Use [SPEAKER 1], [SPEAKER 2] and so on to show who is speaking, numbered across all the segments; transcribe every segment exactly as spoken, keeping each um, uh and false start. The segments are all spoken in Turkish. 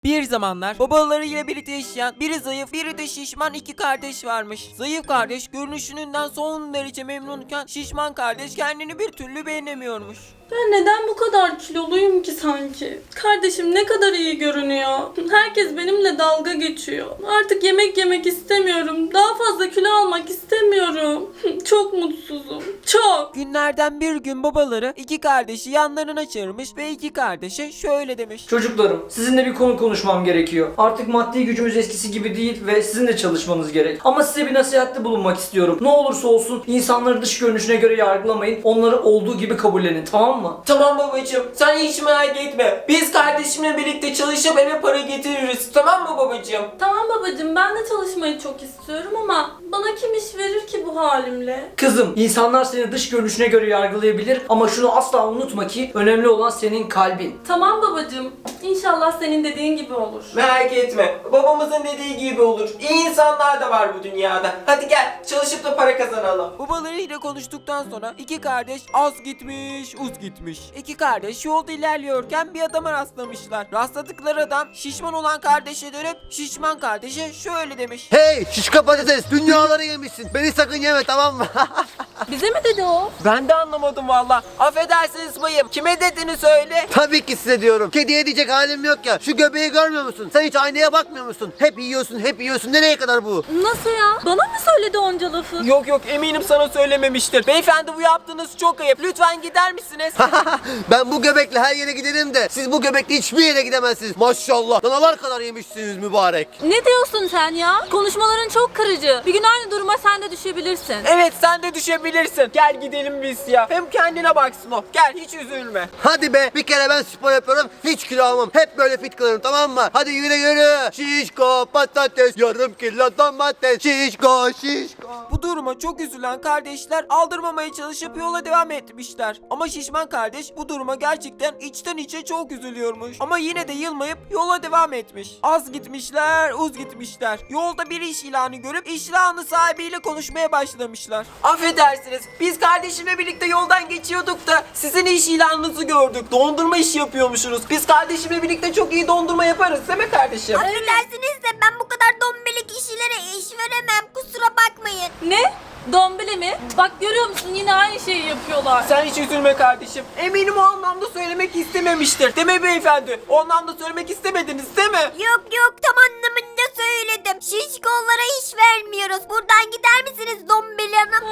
[SPEAKER 1] Bir zamanlar babalarıyla birlikte yaşayan biri zayıf biri de şişman iki kardeş varmış. Zayıf kardeş görünüşünden son derece memnunken şişman kardeş kendini bir türlü beğenemiyormuş.
[SPEAKER 2] Ben neden bu kadar kiloluyum ki sanki? Kardeşim ne kadar iyi görünüyor. Herkes benimle dalga geçiyor. Artık yemek yemek istemiyorum. Daha fazla kilo almak istemiyorum. Çok mutsuzum. Çok.
[SPEAKER 1] Günlerden bir gün babaları iki kardeşi yanlarına çağırmış ve iki kardeşe şöyle demiş.
[SPEAKER 3] Çocuklarım, sizinle bir konu konuşmam gerekiyor. Artık maddi gücümüz eskisi gibi değil ve sizin de çalışmanız gerek. Ama size bir nasihatte bulunmak istiyorum. Ne olursa olsun insanları dış görünüşüne göre yargılamayın. Onları olduğu gibi kabullenin, tamam mı?
[SPEAKER 1] Tamam babacığım, sen hiç merak etme. Biz kardeşimle birlikte çalışıp eve para getiririz. Tamam mı babacığım?
[SPEAKER 2] Tamam babacığım, ben de çalışmayı çok istiyorum ama bana kim iş verir ki bu halimle?
[SPEAKER 3] Kızım, insanlar seni dış görünüşüne göre yargılayabilir ama şunu asla unutma ki önemli olan senin kalbin.
[SPEAKER 2] Tamam babacığım. İnşallah senin dediğin gibi olur.
[SPEAKER 1] Merak etme. Babamızın dediği gibi olur. İyi insanlar da var bu dünyada. Hadi gel çalışıp da para kazanalım. Babalarıyla konuştuktan sonra iki kardeş az gitmiş, uz gitmiş. İki kardeş yolda ilerliyorken bir adama rastlamışlar. Rastladıkları adam şişman olan kardeşe dönüp şişman kardeşe şöyle demiş.
[SPEAKER 4] Hey şişko patates, dünyaları yemişsin. Beni sakın yeme, tamam mı?
[SPEAKER 2] Bize mi dedi o?
[SPEAKER 1] Ben de anlamadım valla. Affedersiniz bayım. Kime dediğini söyle.
[SPEAKER 4] Tabii ki size diyorum. Kediye diyecek halim yok ya. Şu göbeği görmüyor musun? Sen hiç aynaya bakmıyor musun? Hep yiyorsun, hep yiyorsun. Nereye kadar bu?
[SPEAKER 2] Nasıl ya? Bana mı söyledi onca lafı?
[SPEAKER 1] Yok yok eminim sana söylememiştir. Beyefendi bu yaptığınız çok ayıp. Lütfen gider misiniz?
[SPEAKER 4] Ben bu göbekle her yere giderim de siz bu göbekle hiçbir yere gidemezsiniz. Maşallah. Danalar kadar yemişsiniz mübarek.
[SPEAKER 5] Ne diyorsun sen ya? Konuşmaların çok kırıcı. Bir gün aynı duruma sen de düşebilirsin.
[SPEAKER 1] Evet sen de düşebilirsin. Gel gidelim biz ya. Hem kendine baksın o. Gel hiç üzülme.
[SPEAKER 4] Hadi be, bir kere ben spor yapıyorum. Hiç kilo almam. Hep böyle fit kalırım, tamam mı? Hadi yürü yürü. Şişko patates, yarım kilo domates. Şişko şişko.
[SPEAKER 1] Bu duruma çok üzülen kardeşler aldırmamaya çalışıp yola devam etmişler. Ama şişman kardeş bu duruma gerçekten içten içe çok üzülüyormuş. Ama yine de yılmayıp yola devam etmiş. Az gitmişler, uz gitmişler. Yolda bir iş ilanı görüp iş ilanı sahibiyle konuşmaya başlamışlar. Affedersiniz, biz kardeşimle birlikte yoldan geçiyorduk da sizin iş ilanınızı gördük. Dondurma işi yapıyormuşsunuz. Biz kardeşimle birlikte çok iyi dondurma yaparız değil mi kardeşim?
[SPEAKER 6] Affedersiniz de ben bu kadar dombelik kişilere iş veremem. Kusura bakmayın.
[SPEAKER 5] Ne? Dombili mi? Bak görüyor musun yine aynı şeyi yapıyorlar.
[SPEAKER 1] Sen hiç üzülme kardeşim. Eminim o anlamda söylemek istememiştir. Değil mi beyefendi? O anlamda söylemek istemediniz değil mi?
[SPEAKER 6] Yok yok, tam anlamında söyledim. Şişkollara iş vermiyoruz. Buradan gider misiniz dombeli hanım?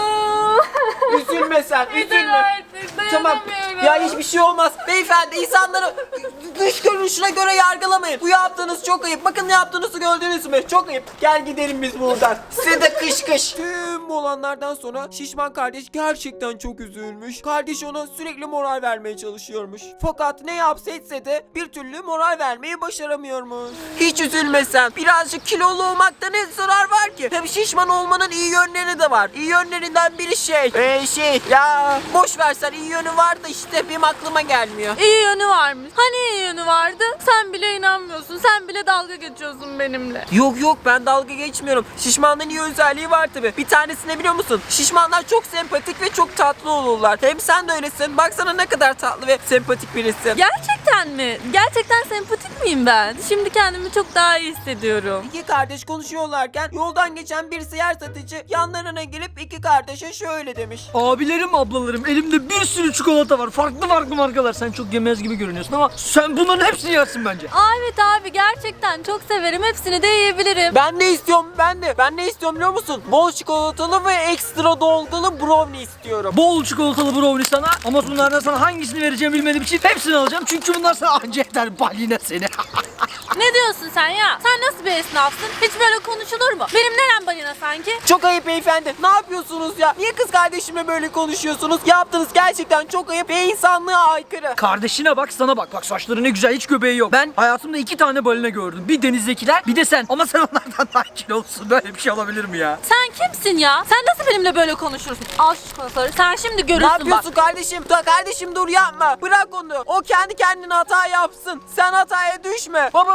[SPEAKER 1] Üzülme sen,
[SPEAKER 5] Yeter
[SPEAKER 1] üzülme.
[SPEAKER 5] artık,
[SPEAKER 1] Tamam.
[SPEAKER 5] dayanamıyorum.
[SPEAKER 1] Ya hiçbir şey olmaz. Beyefendi insanları dış görünüşüne göre yargılamayın. Bu yaptığınız çok ayıp. Bakın ne yaptığınızı gördünüz mü? Çok ayıp. Gel gidelim biz buradan. Size de kış kış. Tüm bu olanlardan sonra şişman kardeş gerçekten çok üzülmüş. Kardeş ona sürekli moral vermeye çalışıyormuş. Fakat ne yapsa etse de bir türlü moral vermeyi başaramıyormuş. Hiç üzülme sen. Birazcık kilolu olmakta ne zarar var ki? Hem şişman olmanın iyi yönleri de var. İyi yönlerinden biri şey. Eee şey ya boş versen iyi yönü var da işte benim aklıma gelmiyor.
[SPEAKER 5] İyi yönü varmış. Hani iyi yönü vardı? Sen bile inanmıyorsun. Sen bile dalga geçiyorsun benimle.
[SPEAKER 1] Yok yok ben dalga geçmiyorum. Şişmanlığın iyi özelliği var tabi. Bir tanesini biliyor musun? Şişmanlar çok sempatik ve çok tatlı olurlar. Hem sen de öylesin. Baksana ne kadar tatlı ve sempatik birisin.
[SPEAKER 5] Gerçekten mi? Gerçekten sempatik miyim ben? Şimdi kendimi çok daha iyi hissediyorum.
[SPEAKER 1] İki kardeş konuşuyorlarken yoldan geçen bir seyyar satıcı yanlarına gelip iki kardeşe şöyle demiş.
[SPEAKER 3] Abilerim, ablalarım, elimde bir sürü çikolata var. Farklı farklı markalar. Sen çok yemez gibi görünüyorsun ama sen bunların hepsini yersin bence.
[SPEAKER 5] Aa, evet abi gerçekten çok severim. Hepsini de yiyebilirim.
[SPEAKER 1] Ben ne istiyorum ben de. Ben ne istiyorum biliyor musun? Bol çikolatalı ve ekstra dolgulu brownie istiyorum.
[SPEAKER 3] Bol çikolatalı brownie sana ama bunlardan sana hangisini vereceğimi bilmediğim için hepsini alacağım. Çünkü bunlar sana anca yeter baline seni.
[SPEAKER 5] Ne diyorsun sen ya? Sen nasıl bir esnafsın? Hiç böyle konuşulur mu? Benim nerem balina sanki?
[SPEAKER 1] Çok ayıp beyefendi. Ne yapıyorsunuz ya? Niye kız kardeşimle böyle konuşuyorsunuz? Yaptığınız gerçekten çok ayıp ve insanlığa aykırı.
[SPEAKER 3] Kardeşine bak, sana bak. Bak saçları ne güzel, hiç göbeği yok. Ben hayatımda iki tane balina gördüm. Bir denizdekiler, bir de sen. Ama sen onlardan daha kilolusun. Böyle bir şey olabilir mi ya?
[SPEAKER 5] Sen kimsin ya? Sen nasıl benimle böyle konuşursun? Al şu çikolataları. Sen şimdi
[SPEAKER 1] Ne
[SPEAKER 5] görürsün bak.
[SPEAKER 1] yapıyorsun kardeşim? Da kardeşim dur yapma. Bırak onu. O kendi kendine hata yapsın. Sen hataya düşme. Babam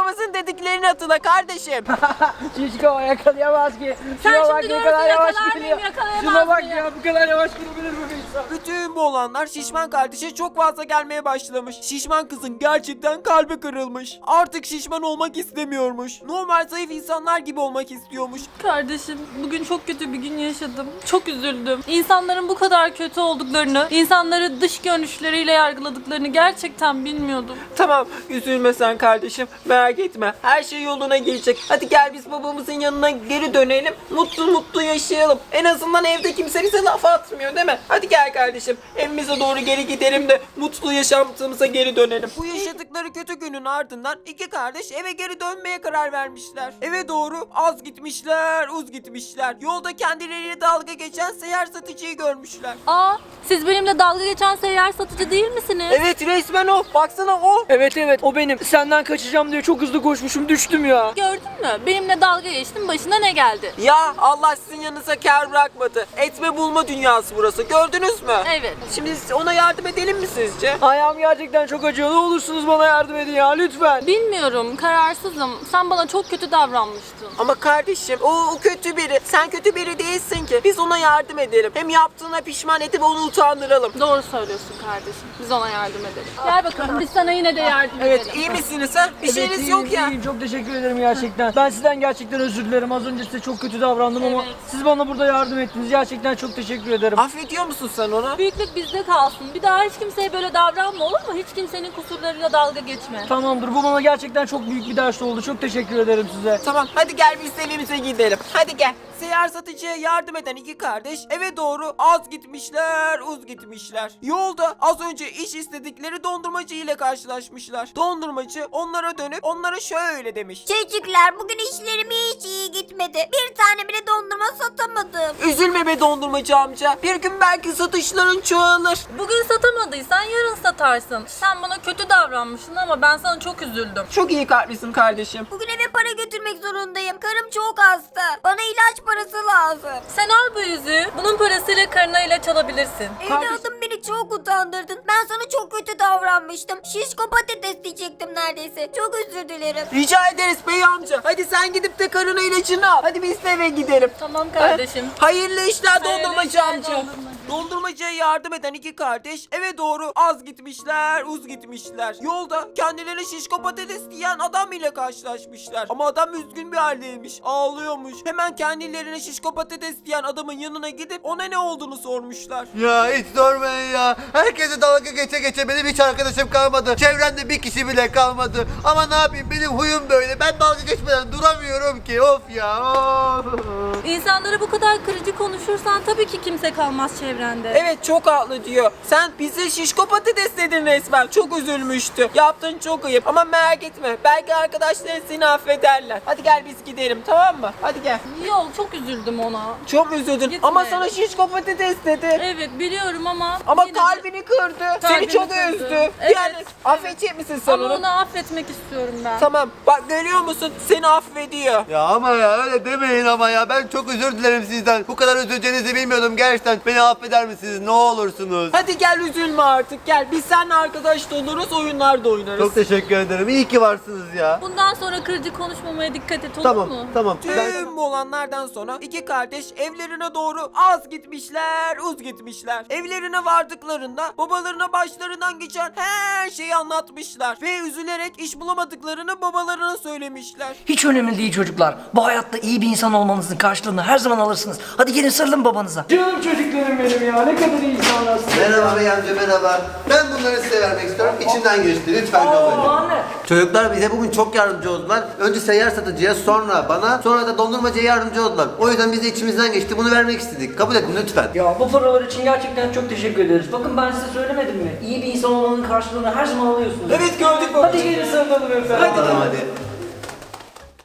[SPEAKER 1] babamızın dediklerini hatırla kardeşim.
[SPEAKER 3] Şişko yakalayamaz ki.
[SPEAKER 5] Sen
[SPEAKER 3] Şuna
[SPEAKER 5] şimdi
[SPEAKER 3] bak ne
[SPEAKER 5] görürsün,
[SPEAKER 3] kadar yavaş
[SPEAKER 5] yakalar
[SPEAKER 3] gidiyor.
[SPEAKER 5] mıyım, yakalayamaz
[SPEAKER 3] Şuna bak
[SPEAKER 5] mıyım?
[SPEAKER 3] ya, bu kadar yavaş gidebilir mi bir insan?
[SPEAKER 1] Bütün bu olanlar şişman kardeşe çok fazla gelmeye başlamış. Şişman kızın gerçekten kalbi kırılmış. Artık şişman olmak istemiyormuş. Normal zayıf insanlar gibi olmak istiyormuş.
[SPEAKER 2] Kardeşim bugün çok kötü bir gün yaşadım. Çok üzüldüm. İnsanların bu kadar kötü olduklarını, insanları dış görünüşleriyle yargıladıklarını gerçekten bilmiyordum.
[SPEAKER 1] Tamam, üzülme sen kardeşim. Merak etme. Her şey yoluna girecek. Hadi gel biz babamızın yanına geri dönelim. Mutlu mutlu yaşayalım. En azından evde kimse bize laf atmıyor değil mi? Hadi gel kardeşim. Evimize doğru geri gidelim de mutlu yaşantımıza geri dönelim. Bu yaşadıkları kötü günün ardından iki kardeş eve geri dönmeye karar vermişler. Eve doğru az gitmişler, uz gitmişler. Yolda kendileriyle dalga geçen seyyar satıcıyı görmüşler.
[SPEAKER 5] Aa, siz benimle dalga geçen seyyar satıcı değil misiniz?
[SPEAKER 1] Evet, resmen o. Baksana o.
[SPEAKER 3] Evet evet o benim. Senden kaçacağım diye çok hızlı koşmuşum, düştüm ya.
[SPEAKER 5] Gördün mü? Benimle dalga geçtin, başına ne geldi?
[SPEAKER 1] Ya Allah sizin yanınıza kâr bırakmadı. Etme bulma dünyası burası. Gördünüz mü?
[SPEAKER 5] Evet.
[SPEAKER 1] Şimdi ona yardım edelim mi sizce?
[SPEAKER 3] Ayağım gerçekten çok acıyor. Ne olursunuz bana yardım edin ya lütfen.
[SPEAKER 2] Bilmiyorum, kararsızım. Sen bana çok kötü davranmıştın.
[SPEAKER 1] Ama kardeşim o, o kötü biri. Sen kötü biri değilsin ki. Biz ona yardım edelim. Hem yaptığına pişman edip onu utandıralım.
[SPEAKER 2] Doğru söylüyorsun kardeşim. Biz ona yardım edelim. Gel bakalım, biz sana yine de yardım
[SPEAKER 1] Evet,
[SPEAKER 2] edelim.
[SPEAKER 1] iyi misiniz ha? Bir
[SPEAKER 3] Evet,
[SPEAKER 1] şeyiniz
[SPEAKER 3] iyiyim,
[SPEAKER 1] yok ya.
[SPEAKER 3] iyiyim. Çok teşekkür ederim gerçekten. Ben sizden gerçekten özür dilerim. Az önce size çok kötü davrandım ama
[SPEAKER 2] Evet.
[SPEAKER 3] siz bana burada yardım ettiniz. Gerçekten çok teşekkür ederim.
[SPEAKER 1] Affediyor musun sen onu?
[SPEAKER 5] Büyüklük bizde kalsın. Bir daha hiç kimseye böyle davranma, olur mu? Hiç kimsenin kusurlarıyla dalga geçme.
[SPEAKER 3] Tamamdır. Bu bana gerçekten çok büyük bir ders oldu. Çok teşekkür ederim size.
[SPEAKER 1] Tamam, hadi gel biz evimize gidelim. Hadi gel. Seyyar satıcıya yardım eden iki kardeş eve doğru az gitmişler, uz gitmişler. Yolda az önce iş istedikleri dondurmacı ile karşılaşmışlar. Dondurmacı onlara dönüp onlara şöyle demiş.
[SPEAKER 6] Çocuklar bugün işlerim hiç iyi gitmedi. Bir tane bile dondurma satamadım.
[SPEAKER 1] Üzülme be dondurmacı amca. Bir gün belki satışların çoğalır.
[SPEAKER 5] Bugün satamadıysan yarın satarsın. Sen bana kötü davranmışsın ama ben sana çok üzüldüm.
[SPEAKER 1] Çok iyi kalplisin kardeşim.
[SPEAKER 6] Bugün eve para götürmek zorundayım. Karım çok hasta. Bana ilaç parası lazım.
[SPEAKER 5] Sen al bu yüzüğü. Bunun parasıyla karına ilaç alabilirsin.
[SPEAKER 6] Evladım beni çok utandırdın. Ben sana çok kötü davranmıştım. Şişko patates diyecektim neredeyse. Çok özür dilerim.
[SPEAKER 1] Rica ederiz bey amca. Hadi sen gidip de karına ilacını al. Hadi biz de eve gidelim.
[SPEAKER 5] Tamam kardeşim.
[SPEAKER 1] Hayırlı işler
[SPEAKER 5] Hayırlı
[SPEAKER 1] dondurmacı
[SPEAKER 5] işler
[SPEAKER 1] amca.
[SPEAKER 5] dondurmacı.
[SPEAKER 1] Dondurmacıya yardım eden iki kardeş eve doğru az gitmişler, uz gitmişler. Yolda kendilerine şişko patates diyen adam ile karşılaşmışlar. Ama adam üzgün bir haldeymiş, ağlıyormuş. Hemen kendilerine şişko patates diyen adamın yanına gidip ona ne olduğunu sormuşlar.
[SPEAKER 4] Ya hiç sormayın ya. Herkese dalga geçe geçe benim hiç arkadaşım kalmadı. Çevremde bir kişi bile kalmadı. Ama ne yapayım benim huyum böyle. Ben dalga geçmeden duramıyorum ki. Of ya. Of.
[SPEAKER 5] İnsanlara bu kadar kırıcı konuşursan tabii ki kimse kalmaz çevrende.
[SPEAKER 1] Evet, çok haklı diyor. Sen bize şişko patates dedin resmen. Çok üzülmüştü. Yaptığın çok ayıp ama merak etme. Belki arkadaşların seni affederler. Hadi gel biz gidelim, tamam mı? Hadi gel.
[SPEAKER 2] Yok, çok üzüldüm ona.
[SPEAKER 1] Çok üzüldün
[SPEAKER 2] Gitme.
[SPEAKER 1] ama sana şişko patates dedi.
[SPEAKER 2] Evet biliyorum ama...
[SPEAKER 1] Ama
[SPEAKER 2] yine de-
[SPEAKER 1] kalbini kırdı. Seni
[SPEAKER 2] Kalbini
[SPEAKER 1] çok
[SPEAKER 2] kırdı.
[SPEAKER 1] üzdü.
[SPEAKER 2] Evet.
[SPEAKER 1] Yani affedecek misin sen
[SPEAKER 2] Ama
[SPEAKER 1] onu?
[SPEAKER 2] onu affetmek istiyorum ben.
[SPEAKER 1] Tamam. Bak görüyor musun? Seni affediyor.
[SPEAKER 4] Ya ama ya öyle demeyin ama ya. Ben çok özür dilerim sizden. Bu kadar üzüleceğinizi bilmiyordum gerçekten. Beni affeder misiniz? Ne olursunuz?
[SPEAKER 1] Hadi gel üzülme artık. Gel. Biz seninle arkadaş da oluruz, oyunlar da oynarız.
[SPEAKER 4] Çok teşekkür ederim. İyi ki varsınız ya.
[SPEAKER 5] Bundan sonra kırıcı konuşmamaya dikkat et, olur
[SPEAKER 4] Tamam,
[SPEAKER 5] mu?
[SPEAKER 4] tamam. Ben...
[SPEAKER 1] Tüm bu olanlardan sonra iki kardeş evlerine doğru az gitmişler, uz gitmişler. Evlerine vardıklarında babalarına başlarından geçen her şeyi anlatmışlar. Ve üzülerek iş bulamadıklarını babalarına söylemişler.
[SPEAKER 3] Hiç önemli değil çocuklar. Bu hayatta iyi bir insan olmanızın karşılığını her zaman alırsınız. Hadi gelin sarılın babanıza. Canım çocuklarım benim ya. Ne kadar iyi insanlarsınız.
[SPEAKER 4] Merhaba bey amca merhaba. Ben bunları size vermek istiyorum. İçimden geçti. Lütfen kabul edin.
[SPEAKER 3] Anne.
[SPEAKER 4] Çocuklar bize bugün çok yardımcı oldular. Önce seyyar satıcıya, sonra bana, sonra da dondurmacıya yardımcı oldular. O yüzden biz de içimizden geçti. Bunu vermek istedik. Kabul edin lütfen.
[SPEAKER 3] Ya bu paralar için gerçekten çok teşekkür ederiz. Bakın ben size söylemedim mi? İyi bir insan olmanın karşılığını her zaman alıyorsunuz.
[SPEAKER 1] Evet, gördük babacığım.
[SPEAKER 3] Hadi gelin sarılalım efendim.
[SPEAKER 1] Hadi.
[SPEAKER 4] Tamam hadi.